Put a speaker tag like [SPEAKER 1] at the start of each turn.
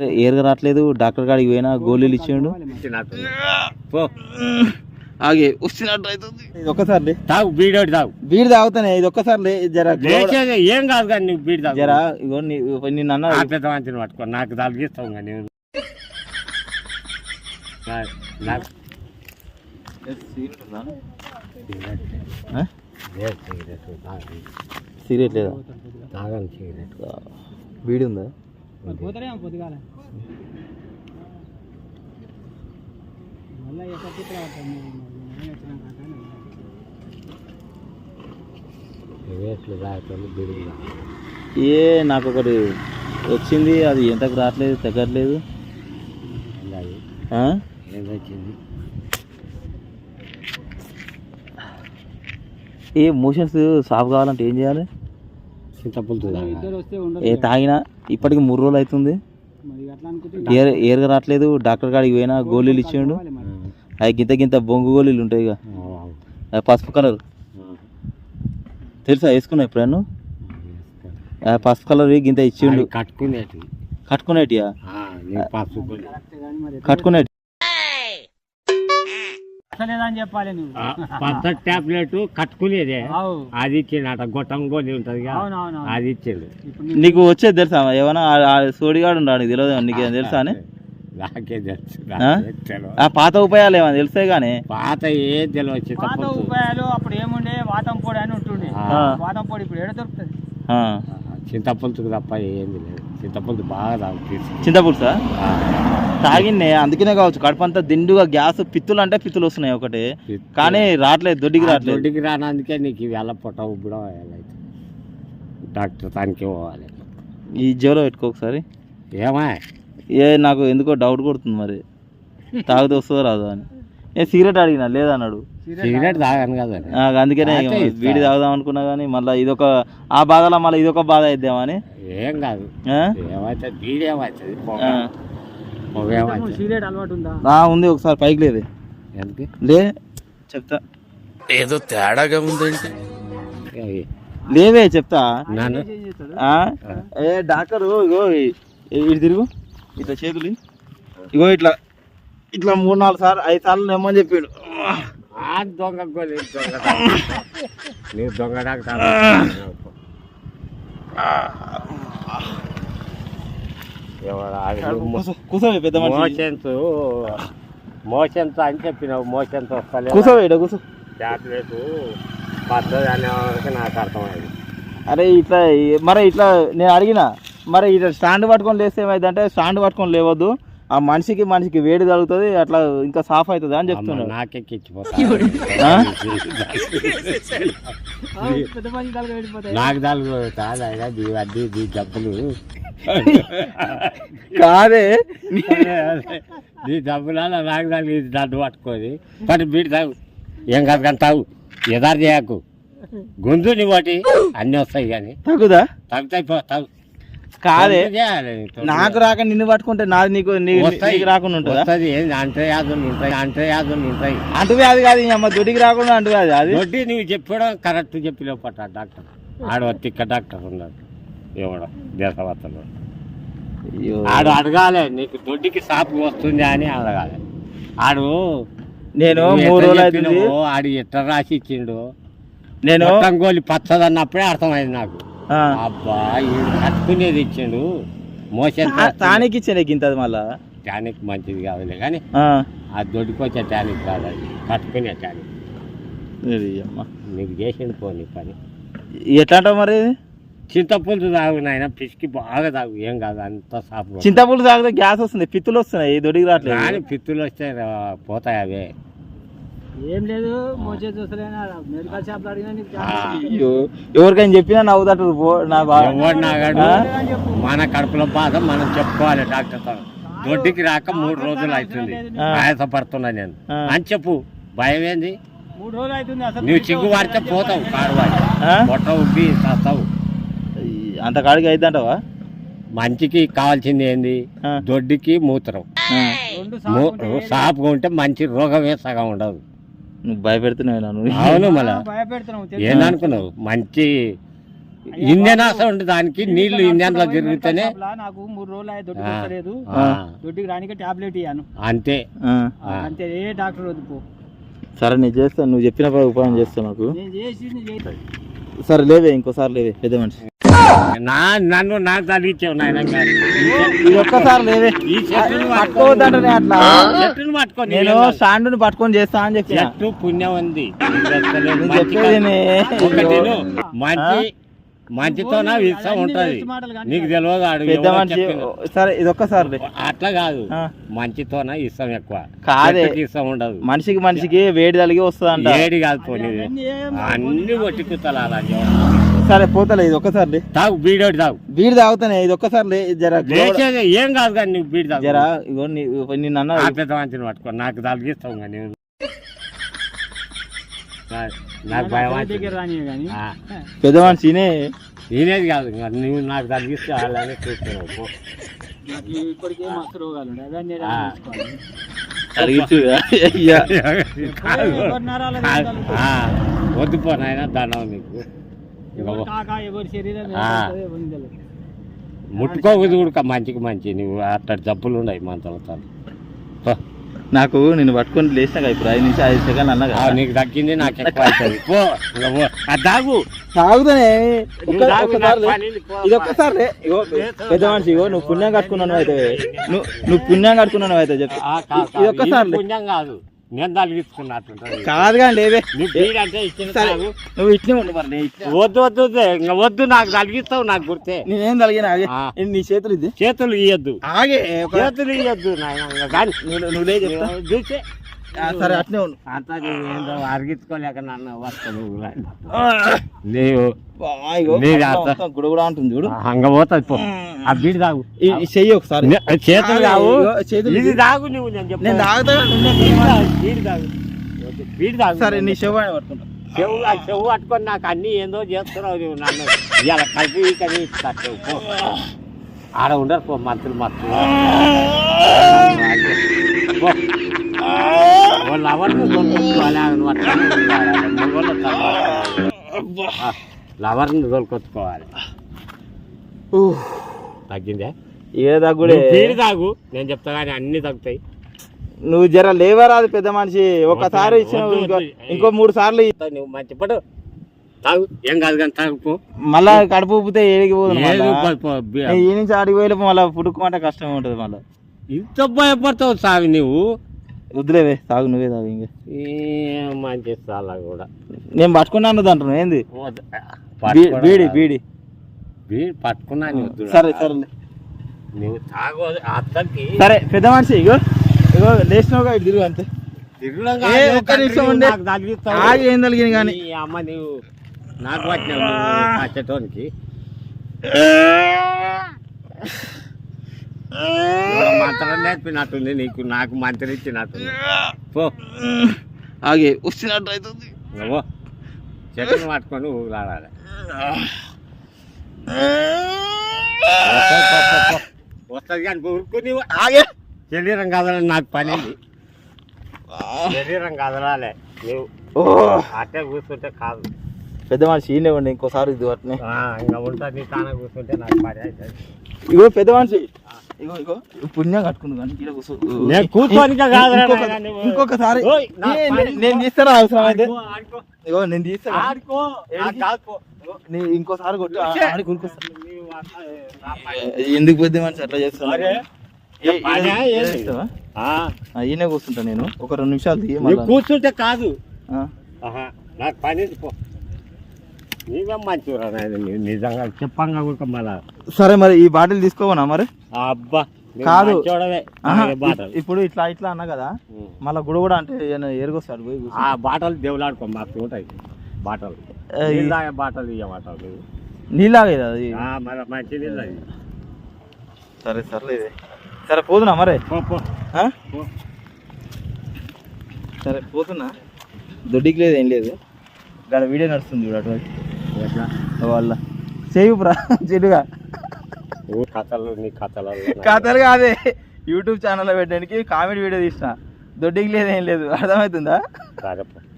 [SPEAKER 1] ఏరుగా రావట్లేదు. డాక్టర్ కాడికి పోయినా గోళీలు ఇచ్చిండు. ఆగే వస్తున్నట్టు అవుతుంది. ఇది ఒక్కసారి
[SPEAKER 2] తాగు బీడోటి తాగు.
[SPEAKER 1] బీడి తాగుతానే. ఇది ఒక్కసారి జర
[SPEAKER 2] ఏం కాదు కానీ నువ్వు బీడి తాగు.
[SPEAKER 1] జరా ఇగో నిన్న
[SPEAKER 2] పెద్ద మంచిని పట్టుకో నాకు తలిగిస్తావు కానీ
[SPEAKER 1] సిగరెట్ లేదా?
[SPEAKER 2] తాగని సిగరెట్.
[SPEAKER 1] బీడి ఉందా?
[SPEAKER 3] పొద్దుగాల మళ్ళీ
[SPEAKER 1] ఏ నాకు ఒకటి వచ్చింది, అది ఎంతకు రావట్లేదు, తగ్గట్లేదు. ఏ మోషన్స్ సాఫ్ కావాలంటే ఏం చేయాలి? ఏ తాగినా ఇప్పటికి 3 రోజులు అవుతుంది. ఏరుగా రావట్లేదు. డాక్టర్ కాడికి పోయినా గోళీలు ఇచ్చిండు. అవి గింత బొంగు గోళీలు ఉంటాయి ఇక, పసుపు కలర్ తెలుసా? వేసుకున్నా ఎప్పుడన్నా? పసుపు కలర్ గింత ఇచ్చిండు. కట్టుకునేటియా? కట్టుకునేటి
[SPEAKER 3] చెప్పాలి.
[SPEAKER 2] టాబ్లెట్ కట్టుకునేదే అది ఇచ్చిండు. గొట్టం గోళీ ఉంటది అది ఇచ్చిండు.
[SPEAKER 1] నీకు వచ్చేది తెలుసా? ఏమన్నా సోడిగాడు ఉన్నాడు, తెలియదు నీకు తెలుసా అని?
[SPEAKER 2] నాకే తెలుసు.
[SPEAKER 1] ఆ పాత ఉపాయాలు ఏమన్నా తెలుస్తాయి కానీ
[SPEAKER 2] పాత ఏం తెలియదు.
[SPEAKER 3] పాత ఉపాయాలు అప్పుడు ఏముండే, వాతం పొడి అని ఉంటుండే. వాతం పొడి ఇప్పుడు ఏడ దొరుకుతుంది?
[SPEAKER 2] చింతపులుసుకు తప్ప ఏంది లేదు. చింతపులుసు బాగా తాగుతుంది.
[SPEAKER 1] చింతపులుసా తాగిన్నే, అందుకనే కావచ్చు కడుపు అంతా దిండుగా గ్యాస్. పిత్తులు అంటే పిత్తులు వస్తున్నాయి ఒకటి, కానీ రావట్లేదు, దొడ్డికి రావట్లేదు.
[SPEAKER 2] దొడ్డికి రానందుకే నీకు వేళ పొట్ట ఉబ్బడం డాక్టర్ తానికి పోవాలి.
[SPEAKER 1] ఈ జోలో పెట్టుకో ఒకసారి.
[SPEAKER 2] ఏమా
[SPEAKER 1] నాకు ఎందుకో డౌట్ కొడుతుంది, మరి తాగితే వస్తుందో రాదు అని. నేను సిగరెట్ అడిగినా లేదన్నాడు.
[SPEAKER 2] సిగరెట్ తాగాను కదా,
[SPEAKER 1] అందుకనే వీడి తాగుదాం అనుకున్నా కానీ మళ్ళీ ఇదొక ఆ బాధలో మళ్ళీ ఇదొక బాధ అయిద్దామని.
[SPEAKER 2] ఏం కాదు, ఏమైతే బీడి ఏమవుతుంది.
[SPEAKER 3] సిగరెట్ అలవాటు ఉందా?
[SPEAKER 1] ఉంది, ఒకసారి పైకి లేదు లే చెప్తా.
[SPEAKER 4] ఏదో తేడాగా ఉందంటే
[SPEAKER 1] లేవే చెప్తా. ఏ డాక్టరు ఇగో ఇటు తిరుగు, ఇట్లా చేతులు ఇగో ఇట్లా ఇట్లా 3-4 సార్లు 5 సార్లు నెమ్మని చెప్పాడు.
[SPEAKER 2] దొంగ దొంగ డాక్టర్
[SPEAKER 1] కూర్చోవే పెద్ద
[SPEAKER 2] మోషన్స్ అని చెప్పినావు. మోషన్స్ వస్తలేదు.
[SPEAKER 1] కూర్చోవే కూర్చో.
[SPEAKER 2] టాబ్లెట్ పద్ధతి అనేవారికి నాకు అర్థమైంది.
[SPEAKER 1] అరే ఇట్లా మరి ఇట్లా నేను అడిగిన, మరి ఇట్లా స్టాండ్ పట్టుకొని లేస్తే ఏమైందంటే, స్టాండ్ పట్టుకొని లేవద్దు, ఆ మనిషికి వేడి తగులుతుంది, అట్లా ఇంకా సాఫ్ అవుతుంది అని చెప్తున్నాడు.
[SPEAKER 2] నాకు జబ్బులు
[SPEAKER 1] కాదే
[SPEAKER 2] నీ డబ్బులా నాకు దానికి దడ్డు పట్టుకోది పట్టు బీడి తాగు. ఏం కాదు కానీ తాగు, ఎదారు చేయకు. గొంతు నీ వాటి అన్నీ వస్తాయి కానీ
[SPEAKER 1] తగ్గుదా?
[SPEAKER 2] తగ్గుతాయి, తాగు.
[SPEAKER 1] కాదే నాకు రాక నిన్ను పట్టుకుంటే నాది నీకు రాకుండా ఉంటుంది.
[SPEAKER 2] అంటవ్యాధులు ఉంటాయి, అంటవ్యాధులు ఉంటాయి.
[SPEAKER 1] అంటువ్యాధి కాదు అమ్మ, దొడ్డికి రాకుండా అంటువ్యాధి. అది
[SPEAKER 2] దొడ్డి నువ్వు చెప్పడం కరెక్ట్ చెప్పిలేవు పట్ట. డాక్టర్ ఆడు తిక్క డాక్టర్ ఉన్నాడు ఇవ్వడం దేశవార్తలు. ఆడు అడగాలి నీకు దొడ్డికి సాపు వస్తుంది అని అడగాలి. ఆడు
[SPEAKER 1] నేను 3 రోజులు అవుతుంది,
[SPEAKER 2] ఆడు ఎట్లా రాసి ఇచ్చిండు.
[SPEAKER 1] నేను
[SPEAKER 2] గోలి పచ్చదన్నప్పుడే అర్థమైంది నాకు. అబ్బా కట్టుకునేది ఇచ్చిండు. మోషన్
[SPEAKER 1] టానిక్ ఇచ్చాను ఇంత, మళ్ళా
[SPEAKER 2] టానిక్ మంచిది కాదులే కానీ ఆ దొడ్డికి వచ్చే టానిక్ కాదు, అది కట్టుకునే టానిక్. నీకు చేసిండు పోనీ పని.
[SPEAKER 1] ఎట్లా అంటావు మరి?
[SPEAKER 2] చింతపులుసు తాగు నాయన, పిసికి బాగా తాగు, ఏం కాదు, అంత సాపు.
[SPEAKER 1] చింతపులుసు తాగితే గ్యాస్ వస్తుంది, పిత్తులు వస్తున్నాయి, దొడ్డికి రావట్లేదు.
[SPEAKER 2] కానీ పిత్తులు వస్తే పోతాయి అవే.
[SPEAKER 3] ఏం లేదు, మెడికల్ షాప్
[SPEAKER 1] ఎవరికైనా చెప్పినా నవ్వుతాడు.
[SPEAKER 2] మన కడుపులో బాధ మనం చెప్పుకోవాలి డాక్టర్. దొడ్డికి రాక 3 రోజులు అవుతుంది, ఆయాసపడుతున్నా నేను అని చెప్పు. భయం ఏంది?
[SPEAKER 3] 3 రోజులు అవుతుంది. అసలు
[SPEAKER 2] నువ్వు చిగ్గు వాడితే పోతావు, కాడువాడి పొట్ట ఉబ్బి చేస్తావు.
[SPEAKER 1] అంత కాడికి అయిద్దంటావా?
[SPEAKER 2] మంచికి కావాల్సింది ఏంది? దొడ్డికి మూత్రం సాపుగా ఉంటే మంచి రోగమే సగం ఉండదు.
[SPEAKER 1] నువ్వు భయపెడుతున్నావు.
[SPEAKER 2] అవును, మళ్ళా ఏందనుకున్నావు? మంచి ఇంజన్ ఆసం ఉంటుంది దానికి, నీళ్లు ఇంజన్లో తిరుగుతూనే.
[SPEAKER 3] నాకు 3 రోజులు అయ్యే దొడ్డికి వస్తలేదు, దొడ్డికి రానికే టాబ్లెట్ ఇయ్యాను
[SPEAKER 2] అంతే.
[SPEAKER 3] అంతే, ఏ డాక్టర్ వద్దు.
[SPEAKER 1] సరే నేను చేస్తాను, నువ్వు చెప్పిన ఉపాయం చేస్తాను నాకు.
[SPEAKER 3] నేను చేసి
[SPEAKER 1] సరే లేవే, ఇంకోసారి లేవే పెద్ద మనిషి.
[SPEAKER 2] నన్ను నా తగ్గించావు నాయన.
[SPEAKER 1] ఇది ఒక్కసారి లేవే,
[SPEAKER 2] ఈ చెట్టును
[SPEAKER 1] పట్టుకోవద్దంటే అట్లా.
[SPEAKER 2] చెట్టును పట్టుకొని
[SPEAKER 1] నేను స్టాండ్ పట్టుకొని చేస్తా అని చెప్పి
[SPEAKER 2] చెట్టు పుణ్యం ఉంది.
[SPEAKER 1] చెప్పేది
[SPEAKER 2] మంచితోన విషయం ఉంటది, నీకు తెలియదు. ఆడు
[SPEAKER 1] పెద్ద మనిషి. సరే ఇది ఒక్కసారి
[SPEAKER 2] అట్లా కాదు, మంచితోన ఇష్టం ఎక్కువ,
[SPEAKER 1] కాదే
[SPEAKER 2] ఇష్టం ఉండదు.
[SPEAKER 1] మనిషికి వేడి తలిగి వస్తుంది.
[SPEAKER 2] వేడి కాదు పోనీ, అన్ని కొట్టి కుత్తలు అలా.
[SPEAKER 1] సరే పోతలే, ఇది ఒక్కసారి
[SPEAKER 2] తాగు, బీడోటి తాగు.
[SPEAKER 1] బీడి తాగుతానే, ఇది ఒక్కసారి జర
[SPEAKER 2] ఏం కాదు కానీ నువ్వు బీడి తాగు.
[SPEAKER 1] జరా ఇగో నిన్న అన్న
[SPEAKER 2] పెద్ద మంచిని పట్టుకో, నాకు తలిగిస్తావు కానీ నాకు భయం.
[SPEAKER 1] పెద్ద మనిషినే
[SPEAKER 2] నేనేది కాదు, నువ్వు నాకు తగ్గిస్తే వాళ్ళని చూస్తున్నావు.
[SPEAKER 3] ఇప్పటికే మస్తు రోగాలు ఉన్నాయి.
[SPEAKER 2] వద్దు పోనాయన దండం నీకు.
[SPEAKER 3] ఎవరి శరీరం
[SPEAKER 2] ముట్టుకోకూడదు కూడా మంచికి మంచి. నువ్వు అట్లా జబ్బులు ఉన్నాయి మనతో.
[SPEAKER 1] నాకు నేను పట్టుకొని లేచినాక ఇప్పుడు 5 నుంచి 5 సెకండ్ అన్నా
[SPEAKER 2] నీకు తగ్గింది, నాకు ఎక్కువ అవుతుంది. తాగు,
[SPEAKER 1] తాగుతానే. ఇది ఒక్కసారి ఇగో పెద్ద మనిషి, ఇగో నువ్వు పుణ్యం కట్టుకున్నాను అయితే, నువ్వు పుణ్యం కట్టుకున్నాను అయితే చెప్పి ఇది ఒక్కసారి.
[SPEAKER 2] పుణ్యం కాదు, నేను తలిగించుకున్నట్టు
[SPEAKER 1] కాదు కానీ లేవే. నువ్వు ఇట్లే ఉండు మరి.
[SPEAKER 2] వద్దు వద్దు ఇంకా వద్దు, నాకు తలిగిస్తావు, నాకు గుర్తే.
[SPEAKER 1] నేనేం తలిగిన నీ చేతులు ఇది,
[SPEAKER 2] చేతులు ఇయ్యద్దు,
[SPEAKER 1] ఆగే
[SPEAKER 2] చేతులు ఇయ్యద్దు నాయన. కానీ
[SPEAKER 1] నువ్వు లే చెప్తా.
[SPEAKER 2] చూసే
[SPEAKER 1] సరే అట్నే ఉండు.
[SPEAKER 2] అంతా ఏందో అరిగించుకోలేక నన్ను వస్తాను నీవు.
[SPEAKER 1] గుడ కూడా ఉంటుంది చూడు,
[SPEAKER 2] హంగ పోతుంది పో. ఆ బీడి తాగు,
[SPEAKER 1] చెయ్యి ఒకసారి.
[SPEAKER 2] చేతులు తాగు,
[SPEAKER 1] చేతులు
[SPEAKER 2] ఇది తాగు. నువ్వు నేను
[SPEAKER 1] తాగుతా,
[SPEAKER 2] బీడి తాగు, బీడి తాగు.
[SPEAKER 1] సరే నీ చెవు పట్టుకుంటా.
[SPEAKER 2] చెవు పట్టుకొని నాకు అన్ని ఏందో చేస్తున్నావు నువ్వు. నన్ను ఇవాళ కలిపి కది పో. ఆడ ఉండరు పో మంత్రులు వాళ్ళు ఎవరిని లవర్ని తోలుకొచ్చుకోవాలి. తగ్గిందే,
[SPEAKER 1] ఏ తగ్గుడే.
[SPEAKER 2] బీడి తాగు, నేను చెప్తా కానీ అన్ని తగ్గుతాయి.
[SPEAKER 1] నువ్వు జర లేవరాదు పెద్ద మనిషి. ఒకసారి ఇచ్చినావు, ఇంకో 3 సార్లు
[SPEAKER 2] నువ్వు మంచి పడు తాగు, ఏం కాదు కానీ తాగుపో.
[SPEAKER 1] మళ్ళా కడుపు ఊపితే ఏడికి పోదు. ఈ నుంచి ఆడికి పోయి మళ్ళీ పుట్టుకోమంటే కష్టం ఉంటుంది. మళ్ళీ
[SPEAKER 2] ఇంత భయపడతావు సాగు నువ్వు.
[SPEAKER 1] వద్దులేవే, తాగు, నువ్వే తాగు. ఇంకా
[SPEAKER 2] మంచి చాలా కూడా
[SPEAKER 1] నేను పట్టుకున్నాను అంటున్నావు ఏంది? బీడి బీడి
[SPEAKER 2] బీడి పట్టుకున్నాను.
[SPEAKER 1] సరే సరే
[SPEAKER 2] నువ్వు తాగు అత్తకి.
[SPEAKER 1] సరే పెద్ద మనిషి, ఇగో ఇగో లేచినావుగా, ఇటు తిరుగు అంతే. ఏం తగిలింది కానీ
[SPEAKER 2] అమ్మ నువ్వు నాకు వచ్చినావు పచ్చటోనికి. మంత్రం నేర్పినట్టుంది నీకు, నాకు మంత్రం ఇచ్చినట్టుంది. పో
[SPEAKER 1] ఆగే వచ్చినట్టు అవుతుంది.
[SPEAKER 2] చెట్టును పట్టుకొని ఊలాడాలి. వస్తుంది కానీ ఊరుకుని
[SPEAKER 1] ఆగే.
[SPEAKER 2] శరీరం కదలని నాకు పని, శరీరం కదలాలి. నువ్వు అట్టే కూర్చుంటే కాదు.
[SPEAKER 1] పెద్ద మనిషి ఈయనే ఉండి ఇంకోసారి ఇది అట్నే
[SPEAKER 2] ఇంకా ఉంటుంది. నీ తాన కూర్చుంటే నాకు పని అవుతుంది.
[SPEAKER 1] ఇగో పెద్ద మనిషి, ఇగో ఇగో పుణ్యం కట్టుకుంది కానీ
[SPEAKER 2] కూర్చొని
[SPEAKER 1] ఇంకొకసారి నేను తీస్తారా అవసరం అయితే. ఇగో నేను తీస్తాను, ఇంకోసారి కొట్టు ఆడి కూరుకొస్తా. ఎందుకు పెద్ద మనిషి అట్లా చేస్తాను? ఈయనే కూర్చుంటా నేను. ఒక 2 నిమిషాలు తీయ
[SPEAKER 2] కూర్చుంటే కాదు, నాకు పని నీవే మంచిగా నిజంగా చెప్పంగా కూడా మళ్ళా.
[SPEAKER 1] సరే మరి ఈ బాటిల్ తీసుకోవనా మరి?
[SPEAKER 2] అబ్బా
[SPEAKER 1] కాదు,
[SPEAKER 2] బాటలు
[SPEAKER 1] ఇప్పుడు ఇట్లా ఇట్లా అన్నా కదా, మళ్ళీ గుడ కూడా అంటే ఏరుకొస్తాడు పోయి.
[SPEAKER 2] ఆ బాటలు దేవులాడుకో, మాకు ఉంటాయి బాటలు. బాటలు ఇయ్య బాటలు
[SPEAKER 1] నీళ్ళాగే అది
[SPEAKER 2] మంచి నీళ్ళు అది.
[SPEAKER 1] సరే సర్లేదు, సరే పోతున్నా మరి. సరే పోతున్నా, దొడ్డికి లేదు ఏం లేదు. ఇక్కడ వీడియో నడుస్తుంది చూడ అటువంటి వాళ్ళ చేయుపురా చెడుగా. కథలు కాదే, యూట్యూబ్ ఛానల్లో పెట్టడానికి కామెడీ వీడియో తీసిన. దొడ్డికి లేదు ఏం లేదు, అర్థమవుతుందా?